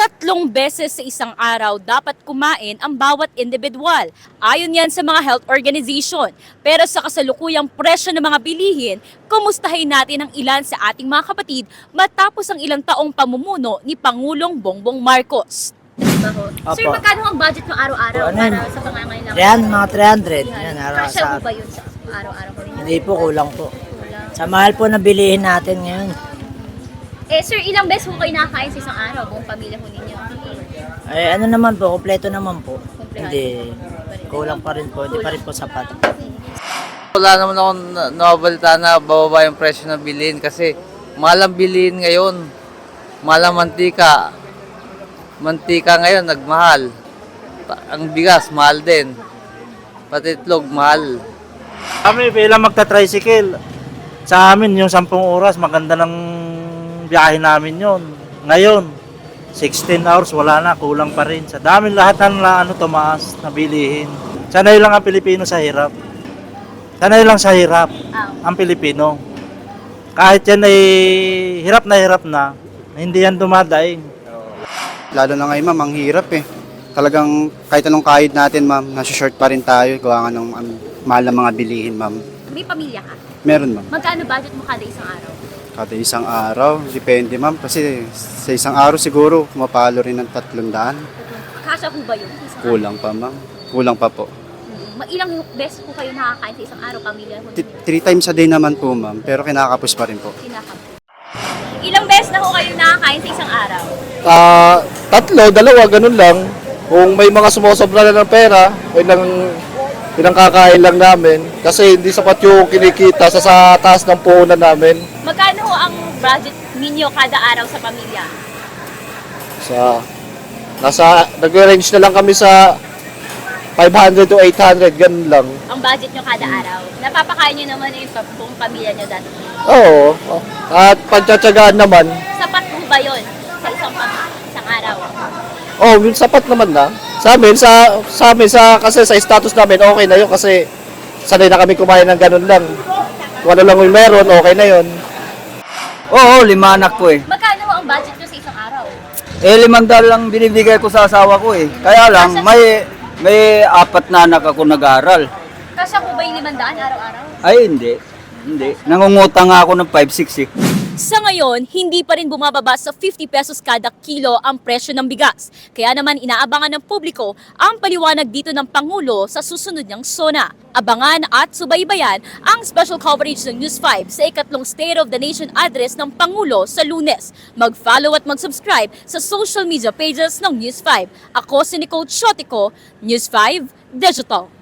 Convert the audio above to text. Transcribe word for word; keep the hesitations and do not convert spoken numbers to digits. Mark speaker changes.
Speaker 1: Tatlong beses sa isang araw dapat kumain ang bawat individual. Ayon yan sa mga health organization. Pero sa kasalukuyang presyo ng mga bilihin, kumustahin natin ang ilan sa ating mga kapatid matapos ang ilang taong pamumuno ni Pangulong Bongbong Marcos. Diba ho? Sir,
Speaker 2: Opo.
Speaker 1: magkano ang budget ng araw-araw
Speaker 2: Ano
Speaker 1: para
Speaker 2: yun?
Speaker 1: sa pangangailangan?
Speaker 2: three hundred, mga three hundred. Yan, araw
Speaker 1: Kasya
Speaker 2: sa...
Speaker 1: po ba yun sa araw-araw ko ninyo?
Speaker 2: Hindi po, kulang po.
Speaker 1: Kulang.
Speaker 2: Sa mahal po na bilihin natin ngayon.
Speaker 1: Eh sir, ilang beses po kayo nakakain sa isang araw, buong pamilya po ninyo?
Speaker 2: Ay, ano naman po, kompleto naman po.
Speaker 1: Kompleto.
Speaker 2: Hindi, kulang pa rin po. Hindi pa rin po sapat.
Speaker 3: Wala naman akong na- nababalita na bababa yung presyo ng bilhin kasi mahal ang bilhin ngayon. Mahal ang mantika. Mantika ngayon nagmahal. Pa- Ang bigas mahal din. Pati itlog mahal.
Speaker 4: Kami bilang magta-tricycle, sa amin yung sampung oras, maganda ng biyahe namin yon. Ngayon, sixteen hours, wala na, kulang pa rin. Sa dami lahat ng na, ano, tumaas na bilihin. Sanay lang ang Pilipino sa hirap. Sanay lang sa hirap
Speaker 1: Ah,
Speaker 4: ang Pilipino. Kahit yan ay hirap na hirap na, hindi yan dumadaing.
Speaker 5: Lalo na ngayon, ma'am, ang hirap eh. Talagang kahit anong kahit natin, ma'am, nasa-short pa rin tayo. Gawa nga ng um, mahal na mga bilihin, ma'am.
Speaker 1: may pamilya ka?
Speaker 5: Meron, ma'am.
Speaker 1: Magkano budget mo kada isang araw?
Speaker 5: Kada isang araw, depende, ma'am. Kasi sa isang araw siguro, mapalo rin ng tatlong daan.
Speaker 1: Kasya po ba yun? Isang
Speaker 5: Kulang pa, ma'am. Kulang pa po.
Speaker 1: araw? Ma- Ilang beses po kayo nakakain sa isang araw, pamilya po
Speaker 5: T-
Speaker 1: ninyo?
Speaker 5: Three times a day naman po, ma'am. Pero kinakapos pa rin po.
Speaker 1: Kinakap. Ilang beses na po kayo nakakain sa isang araw?
Speaker 6: Ah, tatlo, dalawa, ganun lang. Kung may mga sumusobra na ng pera, o ilang, ilang kakain lang namin. Kasi hindi sapat yung kinikita sa, sa taas ng puhunan namin.
Speaker 1: Magkano ho ang budget ninyo kada araw sa pamilya?
Speaker 6: Sa, nasa, nag-range na lang kami sa five hundred to eight hundred, ganun lang.
Speaker 1: Ang budget nyo kada araw? Napapakain nyo naman yung pa- buong pamilya nyo dati.
Speaker 6: Oo. At pagtsatsagaan naman,
Speaker 1: Sapat po ba yun sa isang, pam- isang araw?
Speaker 6: oh, yung sapat naman na. Sa amin, sa, sa amin, sa, kasi sa status namin, okay na yun kasi sanay na kami kumain ng ganun lang. Kung ano lang yung meron, okay na yun.
Speaker 7: Oo, lima anak ko eh.
Speaker 1: Magkano ho ang budget nyo sa isang araw?
Speaker 7: Eh, limandaan lang binibigay ko sa asawa ko eh. Kaya lang, may may apat na anak ako nag-aaral.
Speaker 1: Kasya po ba yung limandaan araw-araw?
Speaker 7: Ay, hindi. Hindi. Nangungutang nga ako ng five six eh.
Speaker 1: Sa ngayon, hindi pa rin bumababa sa fifty pesos kada kilo ang presyo ng bigas. Kaya naman inaabangan ng publiko ang paliwanag dito ng Pangulo sa susunod niyang SONA. Abangan at subaybayan ang special coverage ng News five sa ikatlong State of the Nation address ng Pangulo sa Lunes. Mag-follow at mag-subscribe sa social media pages ng News five. Ako si Nicole Chotico, News five Digital.